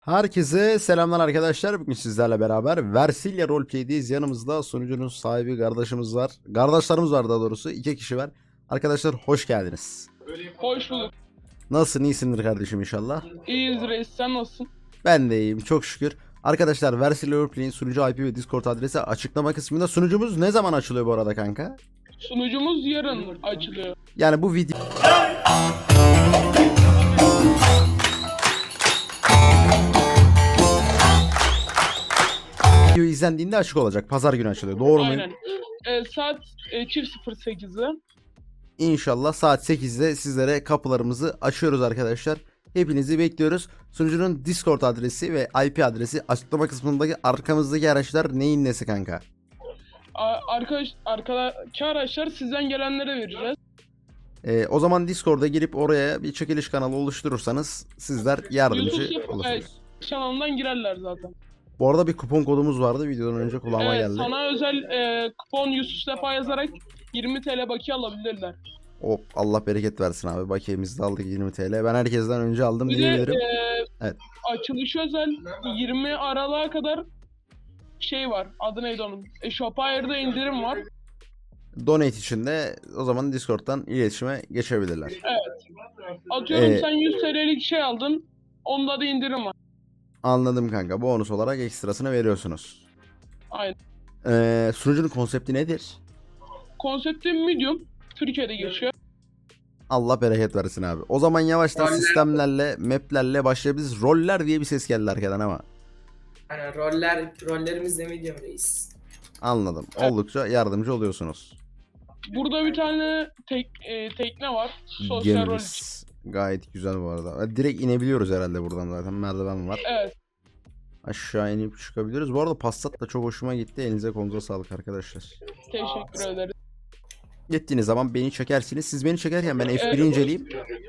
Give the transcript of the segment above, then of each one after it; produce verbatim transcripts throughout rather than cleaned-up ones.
Herkese selamlar arkadaşlar. Bugün sizlerle beraber Versilya Roleplay'deyiz. Yanımızda sunucunun sahibi kardeşimiz var. Kardeşlerimiz var daha doğrusu. İki kişi var. Arkadaşlar hoş geldiniz. Hoş bulduk. Nasılsın? İyisindir kardeşim inşallah. İyiyiz reis, sen nasılsın? Ben de iyiyim çok şükür. Arkadaşlar Versilya Roleplay'in sunucu I P ve Discord adresi açıklama kısmında. Sunucumuz ne zaman açılıyor bu arada kanka? Sunucumuz yarın açılıyor. Yani bu video... Video izlendiğinde açık olacak. Pazar günü açılıyor. Doğru mu? Aynen. Ee, saat e, çift sıfır sekizde. İnşallah saat sekizde sizlere kapılarımızı açıyoruz arkadaşlar. Hepinizi bekliyoruz. Sunucunun Discord adresi ve I P adresi açıklama kısmındaki arkamızdaki araçlar neyin nesi kanka? A- Arkadaş, arkadaki araçlar sizden gelenlere vereceğiz. Ee, o zaman Discord'a girip oraya bir çekiliş kanalı oluşturursanız sizler yardımcı YouTube olursunuz. kanalından girerler zaten. Bu arada bir kupon kodumuz vardı videodan önce kulağıma Evet, geldi. sana özel e, kupon Yusuf Sefa yazarak yirmi TL bakiye alabilirler. Hop Allah bereket versin abi. Bakiyemizi de aldık yirmi TL. Ben herkesten önce aldım Bir de diyebilirim. e, Evet. açılış özel yirmi Aralık'a kadar şey var. Adı neydi onun? E, Shopire'da indirim var. Donate için de o zaman Discord'dan iletişime geçebilirler. Atıyorum Ee, sen yüz TL'lik şey aldın. Onda da indirim var. Anladım kanka. Bonus olarak ekstrasını veriyorsunuz. Aynen. Ee, sunucunun konsepti nedir? Konsepti medium. Türkiye'de geçiyor. Allah bereket versin abi. O zaman yavaştan Roller. sistemlerle, maplerle başlayabiliriz. Roller diye bir ses geldi arkadan ama. Hani roller, rollerimiz de medium reis. Anladım. Evet. Oldukça yardımcı oluyorsunuz. Burada bir tane tek, e, tekne var. Sosyal rol için. Gemimiz gayet güzel bu arada. Direkt inebiliyoruz herhalde buradan zaten. Merdiven var. Evet. Aşağı inip çıkabiliyoruz. Bu arada Passat da çok hoşuma gitti. Elinize kolunuza sağlık arkadaşlar. Teşekkür ederiz. Gittiğiniz zaman beni çekersiniz. Siz beni çekerken ben F bir'i Evet. inceleyeyim.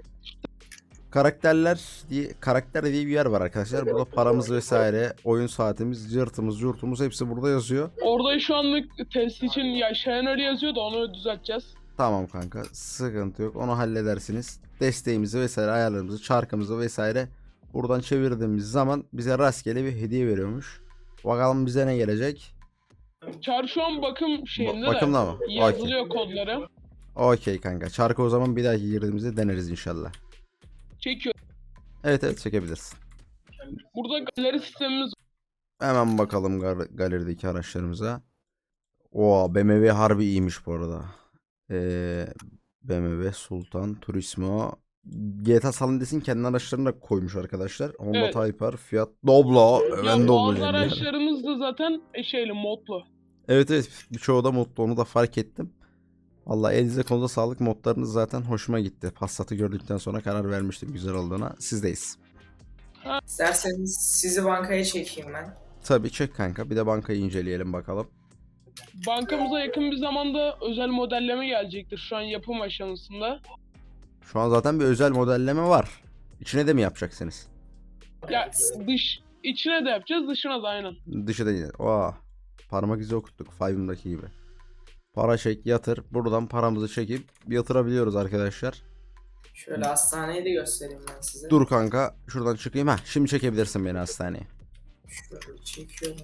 Karakterler diye karakter diye bir yer var arkadaşlar. Burada paramız vesaire, oyun saatimiz, cırtımız, curtumuz hepsi burada yazıyor. Orada şu anlık test için yaşayan öyle yazıyor da onu düzelteceğiz. Tamam kanka, sıkıntı yok. Onu halledersiniz. Desteğimizi vesaire, ayarlarımızı, çarkımızı vesaire buradan çevirdiğimiz zaman bize rastgele bir hediye veriyormuş. Bakalım bize ne gelecek? Çar şu an bakım şeyinde Ba- bakımda mı? de yazılıyor kodları. Okey kanka. Çarkı o zaman bir dahaki girdiğimizde deneriz inşallah. Çekiyor. Evet evet çekebilirsin. Burada galeri sistemimiz var. Hemen bakalım gal- galerideki araçlarımıza. Oo B M W harbi iyiymiş bu arada. Ee, B M W Sultan Turismo. G T A San Andreas'in kendi araçlarını da koymuş arkadaşlar. Honda Evet. Type R, Fiat Doblo. Ya Ben Doblo'cuyum bazı yani. araçlarımız da zaten e, şeyli modlu. Evet evet birçoğu da modlu, onu da fark ettim. Vallahi elinize konuda sağlık, modlarınız zaten hoşuma gitti. Passat'ı gördükten sonra karar vermiştim güzel olduğuna. Sizdeyiz. İsterseniz sizi bankaya çekeyim ben. Tabii çek kanka, bir de bankayı inceleyelim bakalım. Bankamıza yakın bir zamanda özel modelleme gelecektir şu an yapım aşamasında. Şu an zaten bir özel modelleme var. İçine de mi yapacaksınız? Ya dış içine de yapacağız, dışına da aynen. Dışı da yine. Oha. Parmak izi okuttuk Five'ımdaki gibi. Para çek, yatır. Buradan paramızı çekip yatırabiliyoruz arkadaşlar. Şöyle hastaneyi de göstereyim ben size. Dur kanka. Şuradan çıkayım. Ha, şimdi çekebilirsin beni hastaneye. Şöyle çekiyorum.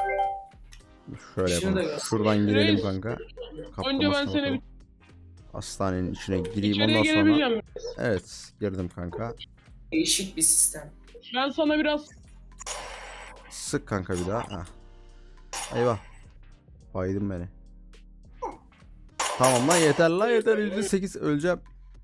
Şöyle Şunu da yapalım. göster. Şuradan girelim Reis, kanka. Önce ben Kaplamasına seni bakalım. Hastanenin içine gireyim içeriye ondan sonra. gelebileceğim. Evet, girdim kanka. Değişik bir sistem. Ben sana biraz Sık kanka bir daha. Ha. Eyvah. Baydın beni. Tamam lan yeter lan yeter. yüzde sekiz öleceğim.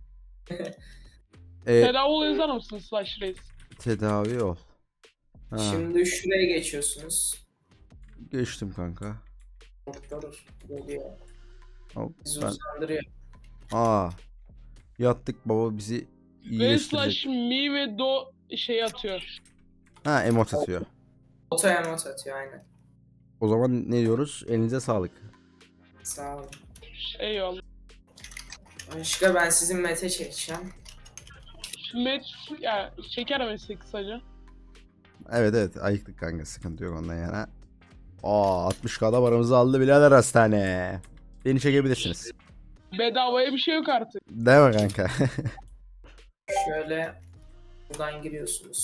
Ee, tedavi yazar mısın Slash Reis? tedavi ol. Ha, Şimdi şuraya geçiyorsunuz. geçtim kanka. Doktor geliyor. Hop, Bizi ben... uzandırıyor. Aa, yattık baba bizi Ve iyileştirecek. Slash Mi ve Do şey atıyor. Ha emot atıyor. Oto emot atıyor aynen. O zaman ne diyoruz? Elinize sağlık. Sağ olun. Eyvallah. Başka ben sizin mete çekeceğim. Met ya şeker meslek kısaca. Evet evet ayıktık kanka, sıkıntı yok ondan yana. Aa altmış K'da paramızı aldı birader hastane. Beni çekebilirsiniz. Bedavaya bir şey yok artık. Değil mi kanka? Şöyle buradan giriyorsunuz.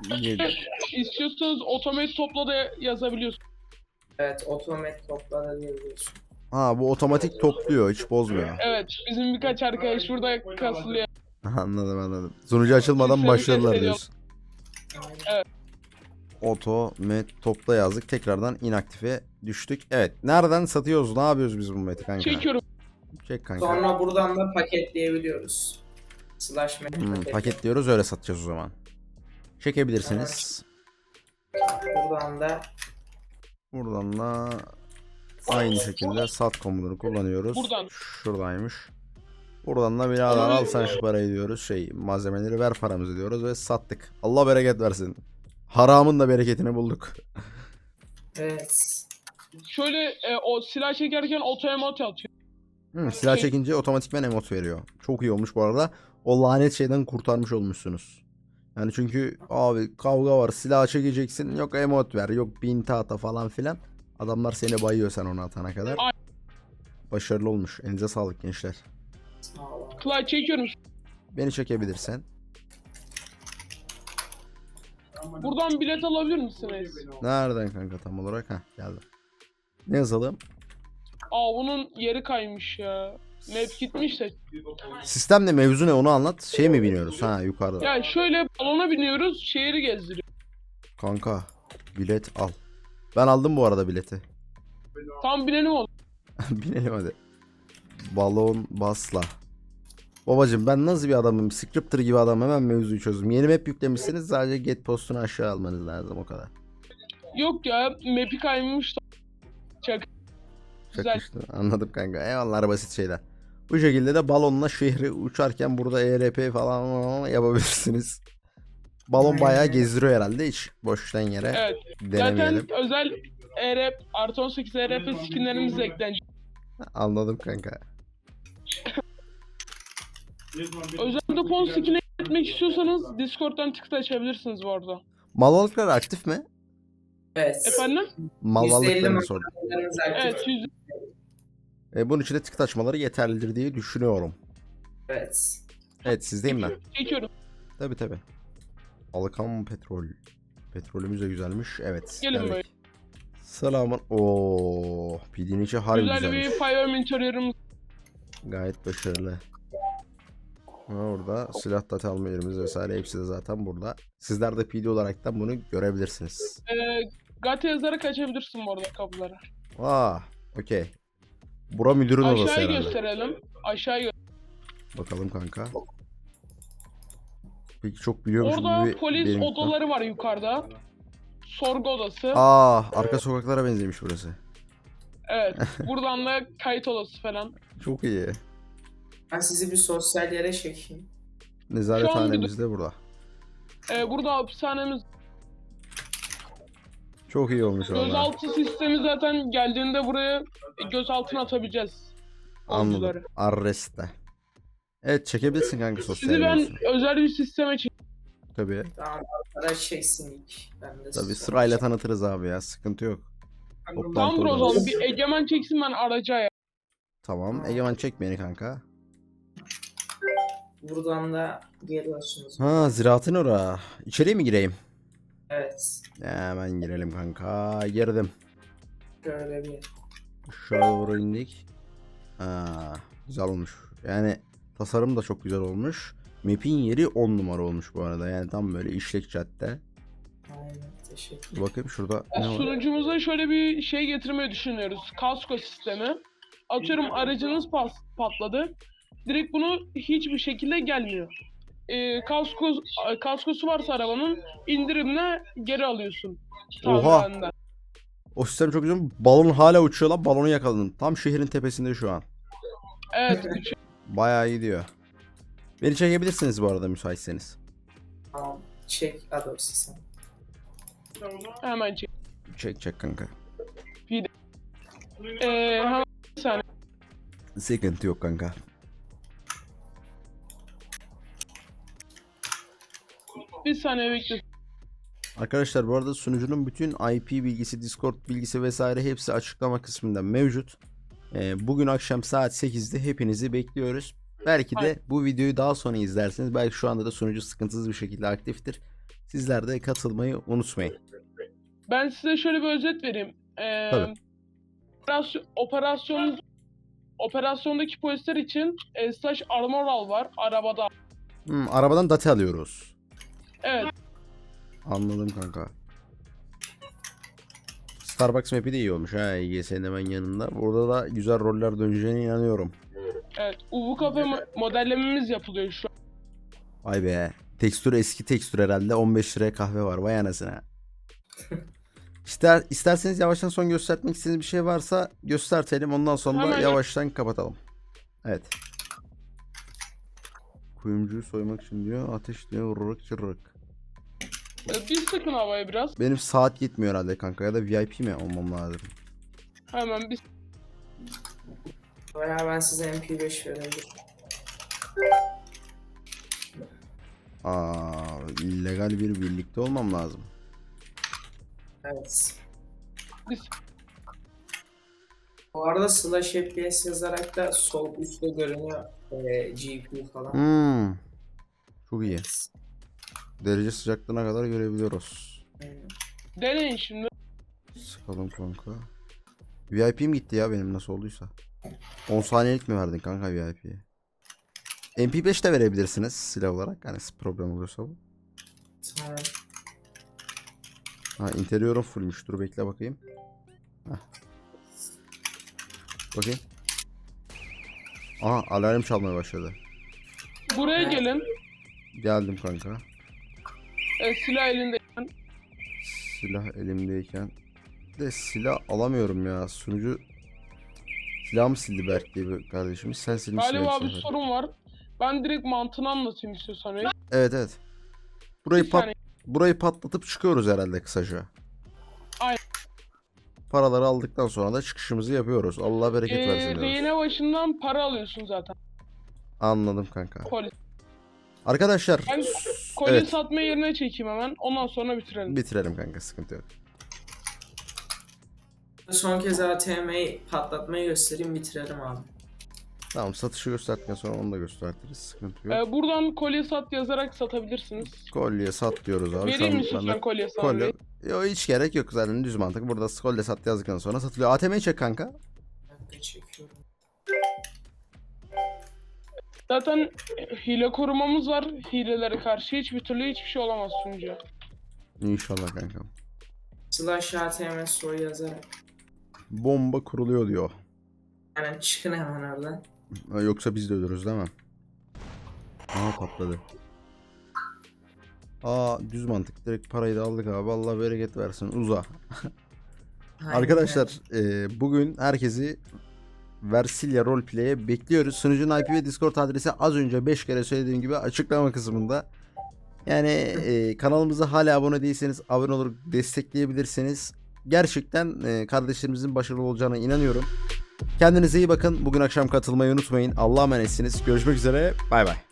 Yedi. İstiyorsanız otomatik topla da yazabiliyorsunuz. Evet, otomatik topla da diyebiliyorsun. Ha bu otomatik topluyor, hiç bozmuyor. Evet, bizim birkaç arkadaş burada kasılıyor. Anladım anladım. Sunucu açılmadan Sistemi başladılar test diyorsun. Aynen. Evet. Oto met topla yazdık. Tekrardan inaktife düştük. Evet. Nereden satıyoruz? Ne yapıyoruz biz bu meti kanka? Çekiyorum. Çek kanka. Sonra buradan da paketleyebiliyoruz. Slash map Hmm, paket. paketliyoruz, öyle satacağız o zaman. Çekebilirsiniz. Buradan da Buradan da aynı şekilde sat komutunu kullanıyoruz. Buradan. Şuradaymış. Buradan da birader al sen şu parayı diyoruz. Şey, malzemeleri ver paramızı diyoruz ve sattık. Allah bereket versin. Haramın da bereketini bulduk. evet. Şöyle e, o silah çekerken oto emot atıyor. Hı, silah çekince otomatikman emot veriyor. Çok iyi olmuş bu arada. O lanet şeyden kurtarmış olmuşsunuz. Yani çünkü abi kavga var, silah çekeceksin, yok emot ver, yok binti ata falan filan. Adamlar seni bayıyor sen onu atana kadar. Ay- Başarılı olmuş. Elinize sağlık gençler. Sağ olun. Clay çekiyorum. Beni çekebilirsen. Buradan bilet alabilir misiniz? Nereden kanka tam olarak? Heh, geldim. Ne yazalım? Aa bunun yeri kaymış ya. Map gitmiş de. Sistemle mevzu ne, onu anlat. Şey mi biniyoruz? Ha, yukarıda. Ya şöyle balona biniyoruz, şehri gezdiriyor. Kanka bilet al. Ben aldım bu arada bileti. Tam binelim oğlum. Binelim hadi. Balon basla. Babacım ben nasıl bir adamım? Scripter gibi adam, hemen mevzuyu çözdüm. Yeni map yüklemişsiniz, sadece get postunu aşağı almanız lazım, o kadar. Yok ya, map'i kaymış da. Çak. Güzel. Çok işte, anladım kanka. Eyvallah, basit şeyler. Bu şekilde de balonla şehri uçarken burada E R P falan yapabilirsiniz. Balon bayağı gezdiriyor herhalde, hiç boştan yere Evet. denemeyelim. Zaten özel E R P, artı on sekiz E R P skinlerimiz de eklenecek. Anladım kanka. Özel depon skin'e etmek istiyorsanız Discord'dan tıkla açabilirsiniz bu arada. Malvalıklar aktif mi? Evet. Efendim? Malvalıklarını sordum. malzemelerimiz aktif. Evet, yüz... E, bunun için de tık açmaları yeterlidir diye düşünüyorum. Evet. Evet, sizdeyim ben. çekiyorum. Tabi tabi. Alkan petrol. Petrolümüz de güzelmiş. Evet. Gelin geldik. böyle. Selamın. Oo, P D'nin içi harbi Güzel güzelmiş. bir Firearm interior'ımız. Gayet başarılı. Ha, orada silah data alma yerimiz vesaire hepsi de zaten burada. Sizler de P D olaraktan bunu görebilirsiniz. Ee, Gate yazarak açabilirsin bu arada kapıları. Aa, okey. Bura müdürün odası Aşağıya herhalde. gösterelim. Aşağıya gö- Bakalım kanka. Peki çok biliyormuşum Orada gibi polis benim... odaları var yukarıda. Sorgu odası. Aa, arka sokaklara benzemiş burası. Evet. Buradan da kayıt odası falan. Çok iyi. Ben sizi bir sosyal yere çekeyim. Nezarethanemiz de burada. Ee, burada hapishanemiz. Çok iyi olmuş valla. Gözaltı sistemi zaten geldiğinde buraya gözaltına atabileceğiz. Anladım. oyuncuları. Arrest'te. Evet, çekebilirsin kanka sosyal Sizi ben medyasını. özel bir sisteme çektim. Tabii. Tamam, arkadaş çeksin ilk. Ben de Tabii size- sırayla tanıtırız abi ya, sıkıntı yok. Toplantı Tamamdır o zaman. odamız. Bir egemen çeksin, ben araca ya. Tamam. Egemen çek beni kanka. Buradan da geliyorsunuz. Ha, ziraatın ora. İçeriye mi gireyim? Evet. Hemen girelim kanka. Girdim. Şöyle bir. Aşağı doğru indik. Ha, güzel olmuş. Yani tasarım da çok güzel olmuş. Map'in yeri on numara olmuş bu arada. Yani tam böyle işlek cadde. Aynen. Teşekkür Dur bakayım şurada ne var? Sunucumuza şöyle bir şey getirmeyi düşünüyoruz. Kasko sistemi. Atıyorum aracınız pas, patladı. Direkt bunu hiçbir şekilde gelmiyor. Ee, kasko, kaskosu varsa arabanın indirimle geri alıyorsun. Oha! Tamiratından. O sistem çok güzel. Balon hala uçuyor lan. Balonu yakaladım. Tam şehrin tepesinde şu an. Evet. üç- Bayağı iyi diyor. Beni çekebilirsiniz bu arada müsaitseniz. Tamam. Çek adorsi sen. Hemen çek. Çek çek kanka. Ee, hemen bir saniye. Sıkıntı yok kanka. Bir saniye bekle. Arkadaşlar bu arada sunucunun bütün I P bilgisi, Discord bilgisi vesaire hepsi açıklama kısmında mevcut. Ee, bugün akşam saat sekizde hepinizi bekliyoruz. Belki de Aynen. bu videoyu daha sonra izlersiniz. Belki şu anda da sunucu sıkıntısız bir şekilde aktiftir. Sizler de katılmayı unutmayın. Ben size şöyle bir özet vereyim. Ee, Tabii. operasyon, operasyon operasyondaki polisler için e, slash armoral var arabada. Hmm, arabadan date alıyoruz. Evet. Anladım kanka. Starbucks map'i de iyi olmuş ha. İ G S'nin hemen yanında. Burada da güzel roller döneceğine inanıyorum. Evet. U V kafe mo- modellememiz yapılıyor şu an. Vay be. Tekstür eski tekstür herhalde. on beş liraya kahve var. Vay anasına. İster, isterseniz yavaştan son göstermek istediğiniz bir şey varsa göstertelim. Ondan sonra Hemen yavaştan kapatalım. Evet. Kuyumcuyu soymak için diyor. Ateş diyor. Vururuk çırırık. Ee, Bir sıkın havaya biraz. Benim saat yetmiyor herhalde kanka. Ya da V I P mi olmam lazım? Hemen bir Veya ben size M P beş verebilirim. Aa, illegal bir birlikte olmam lazım. Evet. Biz- Bu arada slash F P S yazarak da sol üstte görünüyor e, G P U falan. Hmm. Çok iyi. Derece sıcaklığına kadar görebiliyoruz. Aynen. deneyin şimdi. Sıkalım kanka. V I P'm gitti ya benim nasıl olduysa. on saniyelik mi verdin kanka V I P'ye? M P beş de verebilirsiniz silah olarak. Hani problem olursa bu. Tamam. Ha interior'um fullmüş. Dur bekle bakayım. Heh. Bakayım. Aha alarm çalmaya başladı. Buraya gelin. Geldim kanka. E, silah elinde. Silah elimdeyken. De silah alamıyorum ya. Sunucu silahımı sildi Berk diye bir kardeşimiz. Sen silmişsin. Galiba hepsini. bir sorun var. Ben direkt mantığını anlatayım istiyorsan. reis. Evet evet. Burayı Bir pat saniye. burayı patlatıp çıkıyoruz herhalde kısaca. Aynen. Paraları aldıktan sonra da çıkışımızı yapıyoruz. Allah bereket Ee, versin diyoruz. rehine başından para alıyorsun zaten. Anladım kanka. Koli. Arkadaşlar Ben koli evet satma yerine çekeyim hemen. Ondan sonra bitirelim. bitirelim kanka sıkıntı yok. Son kez A T M'yi patlatmayı göstereyim bitirelim abi. Tamam satışı gösterdikten sonra onu da gösteririz. Sıkıntı yok. Ee, buradan kolye sat yazarak satabilirsiniz. Kolye sat diyoruz abi. Şu Vereyim an mi ben de- lütfen kolye Kolye. sahibi? Yo hiç gerek yok zaten düz mantık. Burada kolye sat yazdıktan sonra satılıyor. A T M'yi çek kanka. Ben de çekiyorum. Zaten hile korumamız var. Hilelere karşı hiçbir türlü hiçbir şey olamaz sunucuya. İnşallah kankam. Slash A T M soy yazarak. Bomba kuruluyor diyor. Yani çıkın hemen oradan. Ha, Yoksa biz de ölürüz değil mi? Aha patladı. Aa düz mantık. Direkt parayı da aldık abi. Allah bereket versin. Uza. Aynen. Arkadaşlar e, bugün herkesi Versilya Roleplay'e bekliyoruz. Sunucunun I P ve Discord adresi az önce beş kere söylediğim gibi açıklama kısmında. Yani e, kanalımıza hala abone değilseniz abone olur destekleyebilirsiniz. Gerçekten e, kardeşlerimizin başarılı olacağına inanıyorum. Kendinize iyi bakın. Bugün akşam katılmayı unutmayın. Allah'a emanetsiniz. Görüşmek üzere. Bay bay.